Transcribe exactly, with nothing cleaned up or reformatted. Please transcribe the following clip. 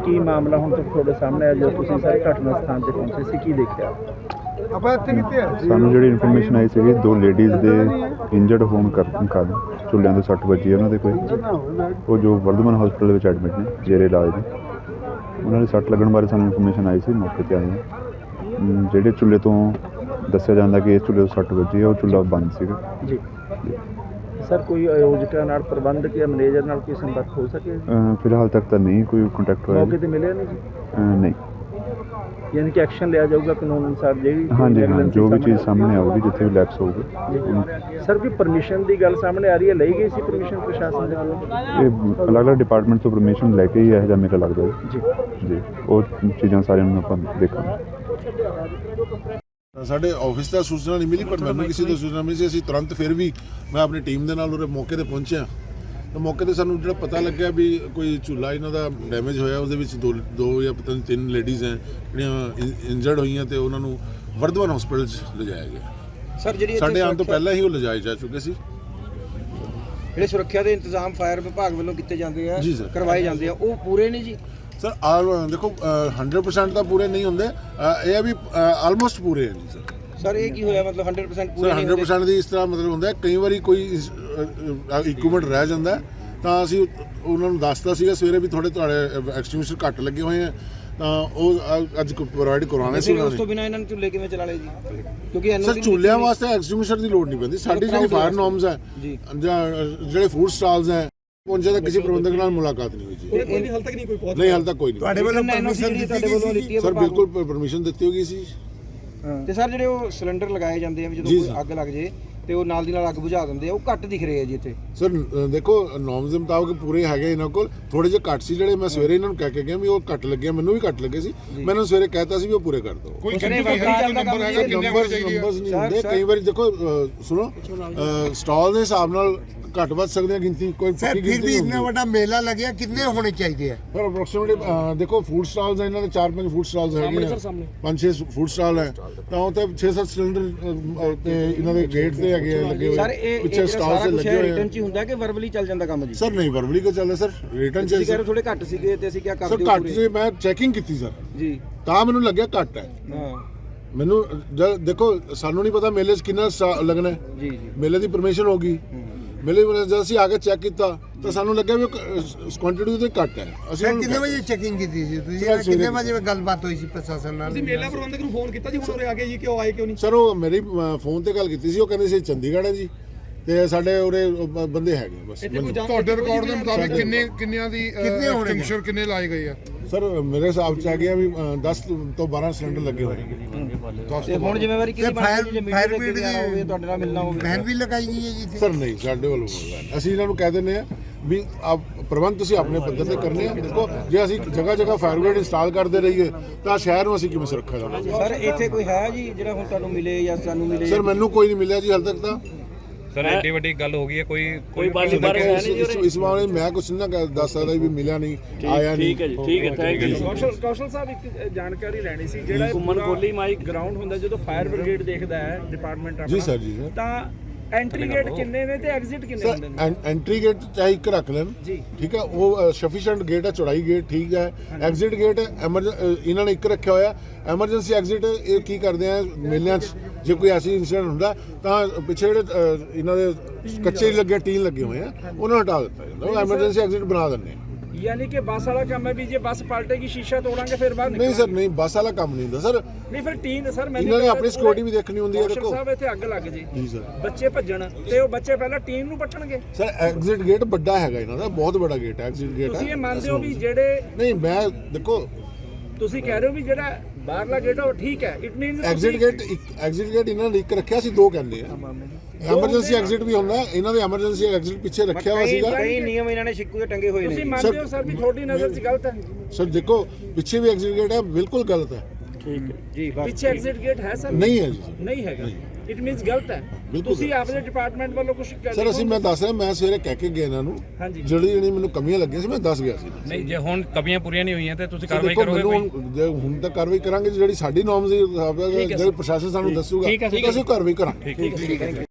ਕੀ ਮਾਮਲਾ ਹੁਣ ਤੱਕ ਤੁਹਾਡੇ ਸਾਹਮਣੇ ਆ ਜੋ ਤੁਸੀਂ ਸਾਰੇ ਘਟਨਾ ਸਥਾਨ ਤੇ ਪਹੁੰਚੇ ਸੀ ਕੀ ਦੇਖਿਆ? ਸਾਨੂੰ ਜਿਹੜੀ ਇਨਫੋਰਮੇਸ਼ਨ ਆਈ ਸੀਗੀ ਦੋ ਲੇਡੀਜ਼ ਦੇ ਇੰਜਰਡ ਹੋਣ ਕਾਰਨ ਕਾਰਨ ਚੁੱਲ੍ਹਿਆਂ ਦੇ ਸੱਟ ਵੱਜੀ ਉਹਨਾਂ ਦੇ ਕੋਈ ਉਹ ਜੋ ਵਰਧਮਾਨ ਹਸਪੀਟਲ ਵਿੱਚ ਐਡਮਿਟ ਨੇ ਜੇਰੇ ਇਲਾਜ ਨੇ। ਉਹਨਾਂ ਦੇ ਸੱਟ ਲੱਗਣ ਬਾਰੇ ਸਾਨੂੰ ਇਨਫੋਰਮੇਸ਼ਨ ਆਈ ਸੀ, ਮੌਕੇ 'ਤੇ ਆਏ ਹਾਂ। ਜਿਹੜੇ ਚੁੱਲ੍ਹੇ ਤੋਂ ਦੱਸਿਆ ਜਾਂਦਾ ਕਿ ਇਸ ਚੁੱਲ੍ਹੇ ਤੋਂ ਸੱਟ ਵੱਜੀ ਹੈ ਉਹ ਚੁੱਲ੍ਹਾ ਬੰਦ ਸੀਗਾ ਜੀ। ਸਰ ਕੋਈ ਆਯੋਜਕਾਂ ਨਾਲ ਪ੍ਰਬੰਧਕ ਜਾਂ ਮੈਨੇਜਰ ਨਾਲ ਕੋਈ ਸੰਪਰਕ ਹੋ ਸਕੇ? ਫਿਲਹਾਲ ਤੱਕ ਤਾਂ ਨਹੀਂ ਕੋਈ ਕੰਟੈਕਟ ਹੋਇਆ। ਮੌਕੇ 'ਤੇ ਮਿਲਿਆ ਨਹੀਂ ਜੀ? ਨਹੀਂ। ਯਾਨੀ ਕਿ ਐਕਸ਼ਨ ਲਿਆ ਜਾਊਗਾ ਕਾਨੂੰਨ ਅਨੁਸਾਰ ਜਿਹੜੀ ਹਾਂਜੀ ਹਾਂ, ਜੋ ਵੀ ਚੀਜ਼ ਸਾਹਮਣੇ ਆਊਗੀ ਜਿੱਥੇ ਵੀ ਲੈਪਸ ਹੋਊਗੀ। ਸਰ ਕੋਈ ਪਰਮਿਸ਼ਨ ਦੀ ਗੱਲ ਸਾਹਮਣੇ ਆ ਰਹੀ ਹੈ, ਲਈ ਗਈ ਸੀ ਪਰਮਿਸ਼ਨ ਪ੍ਰਸ਼ਾਸਨ ਦੇ ਵੱਲੋਂ? ਇਹ ਅਲੱਗ-ਅਲੱਗ ਡਿਪਾਰਟਮੈਂਟ ਤੋਂ ਪਰਮਿਸ਼ਨ ਲੈ ਕੇ ਹੀ ਇਹੋ ਜਿਹਾ ਮੇਰਾ ਲੱਗਦਾ ਜੀ ਜੀ। ਉਹ ਚੀਜ਼ਾਂ ਸਾਰਿਆਂ ਨੂੰ ਆਪਾਂ ਦੇਖਾਂਗੇ। ਸਾਡੇ ਆਫਿਸ ਦਾ ਸੂਚਨਾ ਨਹੀਂ ਮਿਲੀ, ਪਰ ਮੈਨੂੰ ਕਿਸੇ ਤੋਂ ਸੂਚਨਾ ਮਿਲੀ ਸੀ। ਅਸੀਂ ਤੁਰੰਤ ਫਿਰ ਵੀ ਮੈਂ ਆਪਣੀ ਟੀਮ ਦੇ ਨਾਲ ਉਹਦੇ ਮੌਕੇ 'ਤੇ ਪਹੁੰਚਿਆ ਤਾਂ ਮੌਕੇ 'ਤੇ ਸਾਨੂੰ ਜਿਹੜਾ ਪਤਾ ਲੱਗਿਆ ਵੀ ਕੋਈ ਝੂਲਾ ਇਹਨਾਂ ਦਾ ਡੈਮੇਜ ਹੋਇਆ, ਉਹਦੇ ਵਿੱਚ ਦੋ ਦੋ ਜਾਂ ਪਤਾ ਨਹੀਂ ਤਿੰਨ ਲੇਡੀਜ਼ ਹੈ ਜਿਹੜੀਆਂ ਇੰਜਰਡ ਹੋਈਆਂ ਤੇ ਉਹਨਾਂ ਨੂੰ ਵਰਧਮਾਨ ਹਸਪੀਟਲ 'ਚ ਲਿਜਾਇਆ ਗਿਆ। ਸਰ ਜਿਹੜੀ ਸਾਡੇ ਆਉਣ ਤੋਂ ਪਹਿਲਾਂ ਹੀ ਉਹ ਲਿਜਾਏ ਜਾ ਚੁੱਕੇ ਸੀ। ਜਿਹੜੇ ਸੁਰੱਖਿਆ ਦੇ ਇੰਤਜ਼ਾਮ ਫਾਇਰ ਵਿਭਾਗ ਵੱਲੋਂ ਕੀਤੇ ਜਾਂਦੇ ਆ, ਜੀ ਸਰ, ਕਰਵਾਏ ਜਾਂਦੇ ਆ, ਉਹ ਪੂਰੇ ਨਹੀਂ ਜੀ? ਸਰ ਆਲ ਦੇਖੋ ਹੰਡਰਡ ਪਰਸੈਂਟ ਤਾਂ ਪੂਰੇ ਨਹੀਂ ਹੁੰਦੇ, ਇਹ ਵੀ ਆਲਮੋਸਟ ਪੂਰੇ ਹੈ ਜੀ ਸਰ। ਸਰ ਇਹ ਕੀ ਹੋਇਆ ਮਤਲਬ ਹੰਡਰਡ ਪਰਸੈਂਟ ਪੂਰੇ ਸਰ ਹੰਡਰਡ ਪਰਸੈਂਟ ਦੀ ਇਸ ਤਰ੍ਹਾਂ ਮਤਲਬ ਹੁੰਦਾ ਕਈ ਵਾਰੀ ਕੋਈ ਇਕਵਿਪਮੈਂਟ ਰਹਿ ਜਾਂਦਾ ਤਾਂ ਅਸੀਂ ਉਹਨਾਂ ਨੂੰ ਦੱਸਦਾ ਸੀਗਾ ਸਵੇਰੇ ਵੀ ਥੋੜੇ ਤੁਹਾਡੇ ਐਕਸਟਿੰਗੁਇਸ਼ਰ ਘੱਟ ਲੱਗੇ ਹੋਏ ਆ ਤਾਂ ਉਹ ਅੱਜ ਪ੍ਰੋਵਾਈਡ ਕਰਵਾਉਣੇ ਸੀ। ਉਸ ਤੋਂ ਬਿਨਾਂ ਇਹਨਾਂ ਨੂੰ ਚੁੱਲ੍ਹੇ ਕਿਵੇਂ ਚਲਾ ਲਏ ਜੀ? ਕਿਉਂਕਿ ਸਰ ਚੁੱਲ੍ਹਿਆਂ ਵਾਸਤੇ ਐਕਸਟਿੰਗੁਇਸ਼ਰ ਦੀ ਲੋੜ ਨਹੀਂ ਪੈਂਦੀ। ਸਾਡੀ ਜਿਹੜੀ ਫਾਇਰ ਨੋਰਮਸ ਹੈ ਜਾਂ ਜਿਹੜੇ ਫੂਡ ਸਟਾਲਸ ਹੈ ਪਹੁੰਚੇ ਤਾਂ ਕਿਸੇ ਪ੍ਰਬੰਧਕ ਨਾਲ ਮੁਲਾਕਾਤ ਨਹੀਂ ਹੋਈ ਜੀ। ਕੋਈ ਹਾਲ ਤੱਕ ਨਹੀਂ ਕੋਈ ਪਹੁੰਚ ਨਹੀਂ, ਹਾਲ ਤੱਕ ਕੋਈ ਨਹੀਂ। ਤੁਹਾਡੇ ਵੱਲੋਂ ਪਰਮਿਸ਼ਨ ਦਿੱਤੀ ਗਈ? ਸਰ ਬਿਲਕੁਲ ਪਰਮਿਸ਼ਨ ਦਿੱਤੀ ਹੋ ਗਈ ਸੀ। ਤੇ ਸਰ ਜਿਹੜੇ ਉਹ ਸਿਲੰਡਰ ਲਗਾਏ ਜਾਂਦੇ ਆ ਵੀ ਜਦੋਂ ਕੋਈ ਅੱਗ ਲੱਗ ਜੇ ਤੇ ਉਹ ਨਾਲ ਦੀ ਨਾਲ ਅੱਗ ਬੁਝਾ ਦਿੰਦੇ ਆ, ਉਹ ਘੱਟ ਦਿਖ ਰਹੇ ਆ ਜੀ ਇੱਥੇ? ਸਰ ਦੇਖੋ ਨੋਰਮਸ ਦੇ ਮੁਤਾਬਕ ਪੂਰੇ ਹੈਗੇ ਇਹਨਾਂ ਕੋਲ, ਥੋੜੇ ਜਿਹੇ ਘੱਟ ਸੀ ਜਿਹੜੇ ਮੈਂ ਸਵੇਰੇ ਇਹਨਾਂ ਨੂੰ ਕਹਿ ਕੇ ਗਿਆ ਵੀ ਉਹ ਘੱਟ ਲੱਗੇ, ਮੈਨੂੰ ਵੀ ਘੱਟ ਲੱਗੇ ਸੀ। ਮੈਂ ਇਹਨਾਂ ਸਵੇਰੇ ਕਹਿਤਾ ਸੀ ਵੀ ਉਹ ਪੂਰੇ ਕਰ ਦਿਓ। ਕੋਈ ਨੰਬਰਸ ਨੰਬਰਸ ਨਹੀਂ ਹੁੰਦੇ ਕਈ ਵਾਰੀ। ਦੇਖੋ ਸੁਣੋ, ਸਟਾਲ ਦੇ ਹਿਸਾਬ ਨਾਲ ਘੱਟ ਵੱਧ ਸਕਦੇ ਆ ਗਿਣਤੀ, ਕੋਈ ਫਿਰ ਵੀ ਇੰਨਾ ਵੱਡਾ ਮੇਲਾ ਲੱਗਿਆ, ਕਿੰਨੇ ਹੋਣੇ ਚਾਹੀਦੇ ਆ? ਪਰ ਅਪਰੋਕਸੀਮੇਟਲੀ ਦੇਖੋ ਫੂਡ ਸਟਾਲਸ ਇਹਨਾਂ ਦੇ ਚਾਰ ਪੰਜ ਫੂਡ ਸਟਾਲਸ ਹੈਗੇ ਆ, ਪੰਜ ਛੇ ਫੂਡ ਸਟਾਲ ਹੈ ਤਾਂ ਉਹ ਤੇ ਛੇ ਸੱਤ ਸਿਲੰਡਰ ਤੇ ਇਹਨਾਂ ਦੇ ਗੇਟ ਤੇ ਹੈਗੇ ਲੱਗੇ ਹੋਏ। ਸਰ ਇਹ ਪਿੱਛੇ ਸਟਾਲ ਤੇ ਲੱਗੇ ਹੋਏ ਰਿਟਰਨ ਚ ਹੀ ਹੁੰਦਾ ਕਿ ਵਰਬਲੀ ਚੱਲ ਜਾਂਦਾ ਕੰਮ ਜੀ? ਸਰ ਨਹੀਂ, ਵਰਬਲੀ ਕੋ ਚੱਲਦਾ ਸਰ, ਰਿਟਰਨ ਚ ਤੁਸੀਂ ਕਹਿ ਰਹੇ ਥੋੜੇ ਘੱਟ ਸੀਗੇ ਤੇ ਅਸੀਂ ਕੀ ਕਰਦੇ? ਸਰ ਘੱਟ ਸੀ, ਮੈਂ ਚੈਕਿੰਗ ਕੀਤੀ ਸਰ ਜੀ ਤਾਂ ਮੈਨੂੰ ਲੱਗਿਆ ਘੱਟ ਹੈ। ਹਾਂ ਮੈਨੂੰ ਜਦ ਦੇਖੋ ਸਾਨੂੰ ਨਹੀਂ ਪਤਾ ਮੇਲੇ 'ਚ ਕਿੰਨਾ ਲੱਗਣਾ ਜੀ ਜੀ ਮੇਲੇ ਦੀ ਪਰਮਿਸ਼ਨ ਹੋ ਗਈ। ਮੇਲੇ ਜਦ ਅਸੀਂ ਆ ਕੇ ਚੈੱਕ ਕੀਤਾ ਤਾਂ ਸਾਨੂੰ ਲੱਗਿਆ ਵੀ ਕੁਆਂਟੀਟੀ ਉਹਦੇ ਘੱਟ ਹੈ। ਅਸੀਂ ਕਿੰਨੇ ਵਜੇ ਚੈਕਿੰਗ ਕੀਤੀ ਸੀ ਤੁਸੀਂ? ਕਿੰਨੇ ਵਜੇ ਗੱਲਬਾਤ ਹੋਈ ਸੀ ਪ੍ਰਸ਼ਾਸਨ ਨਾਲ? ਤੁਸੀਂ ਮੇਲਾ ਪ੍ਰਬੰਧਕ ਨੂੰ ਫੋਨ ਕੀਤਾ ਜੀ ਹੁਣ ਉਰੇ ਆ ਕੇ ਜੀ ਕਿਉਂ ਆਏ ਕਿਉਂ ਨਹੀਂ? ਸਰ ਉਹ ਮੇਰੀ ਫੋਨ ਤੇ ਗੱਲ ਕੀਤੀ ਸੀ, ਉਹ ਕਹਿੰਦੇ ਸੀ ਚੰਡੀਗੜ੍ਹ ਹੈ ਜੀ ਤੇ ਸਾਡੇ ਉਰੇ ਬੰਦੇ ਹੈਗੇ ਬਸ। ਤੁਹਾਡੇ ਰਿਕਾਰਡ ਦੇ ਮੁਤਾਬਿਕ ਕਿੰਨੇ ਕਿੰਨਿਆਂ ਦੀ ਐਕਸਟਿੰਗੁਇਸ਼ਰ ਕਿੰਨੇ ਲਾਏ ਗਏ ਆ? ਸਰ ਮੇਰੇ ਹਿਸਾਬ ਚ ਆ ਗਿਆ ਵੀ ਦਸ ਤੋਂ ਬਾਰਾਂ ਸਿਲੰਡਰ ਲੱਗੇ ਹੋਏ ਨੇ। ਤੇ ਹੁਣ ਜ਼ਿੰਮੇਵਾਰੀ ਕਿਹਦੀ ਬਣਦੀ ਜੇ ਮੀਡੀਆ ਦੇ ਅੱਗੇ ਆਣਾ ਹੋਵੇ ਤੁਹਾਡੇ ਨਾਲ ਮਿਲਣਾ ਹੋਵੇ? ਬੈਨ ਵੀ ਲਗਾਈ ਗਈ ਹੈ ਜੀ? ਸਰ ਨਹੀਂ, ਸਾਡੇ ਵੱਲੋਂ ਅਸੀਂ ਇਹਨਾਂ ਨੂੰ ਕਹਿ ਦਿੰਦੇ ਆ ਵੀ ਆਪ ਪ੍ਰਬੰਧ ਤੁਸੀਂ ਆਪਣੇ ਪੱਧਰ ਤੇ ਕਰਨੇ ਆ। ਦੇਖੋ ਜੇ ਅਸੀਂ ਜਗ੍ਹਾ ਜਗ੍ਹਾ ਫਾਇਰ ਬ੍ਰਿਗੇਡ ਇੰਸਟਾਲ ਕਰਦੇ ਰਹੀਏ ਤਾਂ ਸ਼ਹਿਰ ਨੂੰ ਅਸੀਂ ਕਿਵੇਂ ਸੁਰੱਖਿਆ ਦੇਵਾਂਗੇ? ਸਰ ਇੱਥੇ ਕੋਈ ਹੈ ਜੀ ਜਿਹੜਾ ਹੁਣ ਤੁਹਾਨੂੰ ਮਿਲੇ ਜਾਂ ਸਾਨੂੰ ਮਿਲੇ? ਸਰ ਮੈਨੂੰ ਕੋਈ ਨਹੀਂ ਮਿਲਿਆ ਜੀ ਹਾਲ ਤੱਕ ਤਾਂ। ਸਰ ਐਡੀ ਵੱਡੀ ਗੱਲ ਹੋ ਗਈ ਹੈ, ਕੋਈ ਕੋਈ ਬਾਲੀ ਬਾਰ ਹੈ ਨਹੀਂ ਇਸ ਇਸ ਬਾਰੇ ਮੈਂ ਕੁਝ ਨਾ ਦੱਸ ਸਕਦਾ ਵੀ ਮਿਲਿਆ ਨਹੀਂ, ਆਇਆ ਨਹੀਂ। ਠੀਕ ਹੈ ਜੀ, ਠੀਕ ਹੈ, ਥੈਂਕ ਯੂ। ਕੌਸ਼ਲ ਕੌਸ਼ਲ ਸਾਹਿਬ ਇੱਕ ਜਾਣਕਾਰੀ ਲੈਣੀ ਸੀ, ਜਿਹੜਾ ਘੁੰਮਣ ਕੋਲੀ ਮਾਈਕ ਗਰਾਊਂਡ ਹੁੰਦਾ ਜਦੋਂ ਫਾਇਰ ਬ੍ਰਿਗੇਡ ਦੇਖਦਾ ਹੈ ਡਿਪਾਰਟਮੈਂਟ ਆਪਣਾ, ਜੀ ਸਰ ਜੀ ਸਰ, ਤਾਂ ਐਂਟਰੀ ਗੇਟ ਕਿੰਨੇ ਨੇ ਤੇ ਐਗਜ਼ਿਟ ਕਿੰਨੇ ਹੁੰਦੇ ਨੇ? ਐਂਟਰੀ ਗੇਟ ਚਾਹੇ ਇੱਕ ਰੱਖ ਲੈਣ ਜੀ, ਠੀਕ ਹੈ, ਉਹ ਸਫੀਸ਼ੀਐਂਟ ਗੇਟ ਹੈ, ਚੌੜਾਈ ਗੇਟ ਠੀਕ ਹੈ। ਐਗਜ਼ਿਟ ਗੇਟ ਇਹਨਾਂ ਨੇ ਇੱਕ ਰੱਖਿਆ ਹੋਇਆ। ਐਮਰਜੈਂਸੀ ਐਗਜ਼ਿਟ ਇਹ ਕੀ ਕਰਦੇ ਆ ਮੇਲਿਆਂ 'ਚ ਜੇ ਕੋਈ ਐਸੀ ਇਨਸੀਡੈਂਟ ਹੁੰਦਾ ਤਾਂ ਪਿੱਛੇ ਜਿਹੜੇ ਇਹਨਾਂ ਦੇ ਕੱਚੇ ਲੱਗੇ ਟੀਨ ਲੱਗੇ ਹੋਏ ਆ ਉਹਨਾਂ ਨੂੰ ਹਟਾ ਦਿੱਤਾ ਜਾਂਦਾ, ਉਹ ਐਮਰਜੈਂਸੀ ਐਗਜ਼ਿਟ ਬਣਾ ਦਿੰਦੇ ਆ। ਯਾਨੀ ਕਿ ਬੱਸ ਵਾਲਾ ਕੰਮ ਹੈ ਵੀ ਜੇ ਬੱਸ ਪਲਟੇਗੀ ਸ਼ੀਸ਼ਾ ਤੋੜਾਂਗੇ ਫਿਰ ਬਾਹਰ ਨਹੀਂ ਸਰ ਨਹੀਂ, ਬੱਸ ਵਾਲਾ ਕੰਮ ਨਹੀਂ ਹੁੰਦਾ ਸਰ। ਨਹੀਂ ਫਿਰ ਟੀਨ ਸਰ ਮੈਂ ਇਹਨਾਂ ਨੇ ਆਪਣੀ ਸਿਕਿਉਰਿਟੀ ਵੀ ਦੇਖਣੀ ਹੁੰਦੀ ਹੈ। ਦੇਖੋ ਸਾਹਿਬ ਇੱਥੇ ਅੱਗ ਲੱਗ ਜੇ ਜੀ ਸਰ, ਬੱਚੇ ਭੱਜਣ ਤੇ ਉਹ ਬੱਚੇ ਪਹਿਲਾਂ ਟੀਨ ਨੂੰ ਪੱਟਣਗੇ। ਸਰ ਐਗਜ਼ਿਟ ਗੇਟ ਵੱਡਾ ਹੈਗਾ ਇਹਨਾਂ ਦਾ, ਬਹੁਤ ਵੱਡਾ ਗੇਟ ਹੈ, ਐਗਜ਼ਿਟ ਗੇਟ ਹੈ। ਤੁਸੀਂ ਇਹ ਮੰਨਦੇ ਹੋ ਵੀ ਜਿਹੜੇ ਨਹੀਂ ਮੈਂ ਦੇਖੋ ਤੁਸੀਂ ਕਹਿ ਰਹੇ ਹੋ ਵੀ ਜਿਹੜਾ ਬਾਹਰਲਾ ਗੇਟ ਉਹ ਠੀਕ ਹੈ, ਇਟ ਮੀਨਸ ਐਗਜ਼ਿਟ ਗੇਟ ਇੱਕ ਐਗਜ਼ਿਟ ਗੇਟ ਇਹਨਾਂ ਨੇ ਇੱਕ ਰੱਖਿਆ ਸੀ, ਦੋ ਕਹਿੰਦੇ ਆ। ਐਮਰਜੈਂਸੀ ਐਗਜ਼ਿਟ ਵੀ ਹੁੰਦਾ, ਇਹਨਾਂ ਦੇ ਐਮਰਜੈਂਸੀ ਐਗਜ਼ਿਟ ਪਿੱਛੇ ਰੱਖਿਆ ਹੋਇਆ ਸੀਗਾ। ਕਈ ਨਿਯਮ ਇਹਨਾਂ ਨੇ ਸ਼ਿਕੂ ਤੇ ਟੰਗੇ ਹੋਏ ਨੇ। ਤੁਸੀਂ ਮੰਨਦੇ ਹੋ ਸਰ ਵੀ ਤੁਹਾਡੀ ਨਜ਼ਰ 'ਚ ਗਲਤ ਹੈ? ਸਰ ਦੇਖੋ ਪਿੱਛੇ ਵੀ ਐਗਜ਼ਿਟ ਗੇਟ ਹੈ, ਬਿਲਕੁਲ ਗਲਤ ਹੈ। ਠੀਕ ਹੈ ਜੀ, ਪਿੱਛੇ ਐਗਜ਼ਿਟ ਗੇਟ ਹੈ ਸਰ? ਨਹੀਂ ਹੈ ਜੀ, ਨਹੀਂ ਹੈਗਾ, ਇਟ ਮੀਨਸ ਗਲਤ ਹੈ। ਤੁਸੀਂ ਆਪਦੇ ਡਿਪਾਰਟਮੈਂਟ ਵੱਲੋਂ ਕੁਝ ਕਰ ਸਰ ਅਸੀਂ ਮੈਂ ਦੱਸ ਰਿਹਾ, ਮੈਂ ਸਵੇਰੇ ਕਹਿ ਕੇ ਗਿਆ ਇਹਨਾਂ ਨੂੰ ਹਾਂਜੀ ਜਿਹੜੀ ਜਿਹੜੀ ਮੈਨੂੰ ਕਮੀਆਂ ਲੱਗੀਆਂ ਸੀ ਮੈਂ ਦੱਸ ਗਿਆ ਸੀ। ਨਹੀਂ ਜੇ ਹੁਣ ਕਮੀਆਂ ਪੂਰੀਆਂ ਨਹੀਂ ਹੋਈਆਂ ਤੇ ਤੁਸੀਂ ਕਾਰਵਾਈ ਦੇਖੋ ਕਰੋਗੇ ਮੈਨੂੰ ਕੋਈ? ਜੇ ਹੁਣ ਤਾਂ ਕਾਰਵਾਈ ਕਰਾਂਗੇ ਜਿਹੜੀ ਸਾਡੀ ਨੋਰਮਸ ਦੀ ਹਿਸਾਬ ਨਾਲ, ਜਿਹੜੇ ਪ੍ਰਸ਼ਾਸਨ ਸਾਨੂੰ ਦੱਸੂਗਾ ਅਸੀਂ ਕਾਰਵਾਈ ਕਰਾਂਗੇ। ਠੀਕ ਹੈ।